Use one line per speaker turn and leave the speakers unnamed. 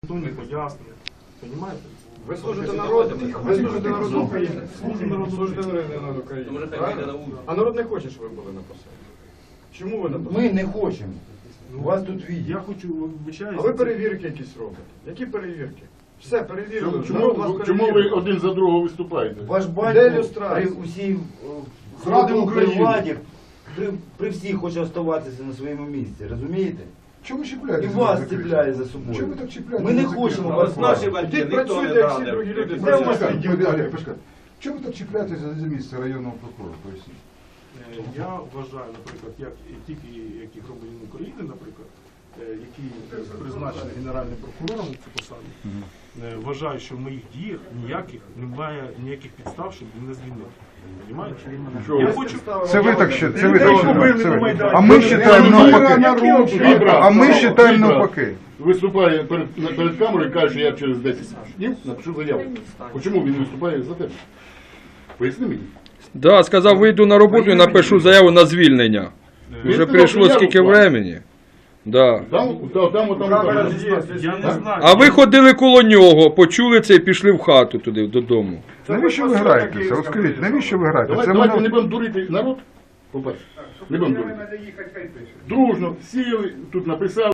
не пояснення. Понимаєте?
Ви служите народу, ви служите народу України. Служите народу України. А народ не хоче, щоб ви були на посаді. Чому ви на посаді?
Ми не хочемо. У вас тут відео.
Я хочу, вибачаюся.
А ви перевірки якісь робите? Які перевірки? Все, перевірили.
Чому ви один за другого виступаєте?
Ваш
Де
батько при
люстрація?
усій
Зради України.
владі, при всіх хоче оставатися на своєму місці, розумієте?
Чому
І
чіпляєте?
вас ціпляє за собою.
Чому ви так чіпляєте?
Ми не хочемо вас бачити.
Ідіть працюйте, як всі другі люди.
Де у вас
Чому ви так чіпляєтеся за місце районного прокурора? Поясніть.
Я вважаю, наприклад, як які громадянин України, наприклад, який призначений Генеральним прокурором на цю посаду, вважаю, що в моїх діях немає ніяких підстав, щоб він не звільнив. Понимаєте? Я хочу...
Це ви так ще, це ви
Людей
так
побили
ще.
на Майдані.
А ми вважаємо навпаки.
Вибрав.
А ми вважаємо навпаки.
Виступає перед камерою і каже, що я через 10 днів напишу заяву. Чому він виступає за тебе? Поясни мені.
Да, сказав, вийду на роботу і напишу заяву на звільнення. Вже прийшло скільки времени. Да.
Там.
Я не знаю.
А ви ходили коло нього, почули це і пішли в хату туди, додому.
Навіщо ви граєтеся? Розкажіть, навіщо ви граєтеся?
Давайте не будемо дурити народ. По-перше, не будемо дурити. Дружно сіли, тут написали.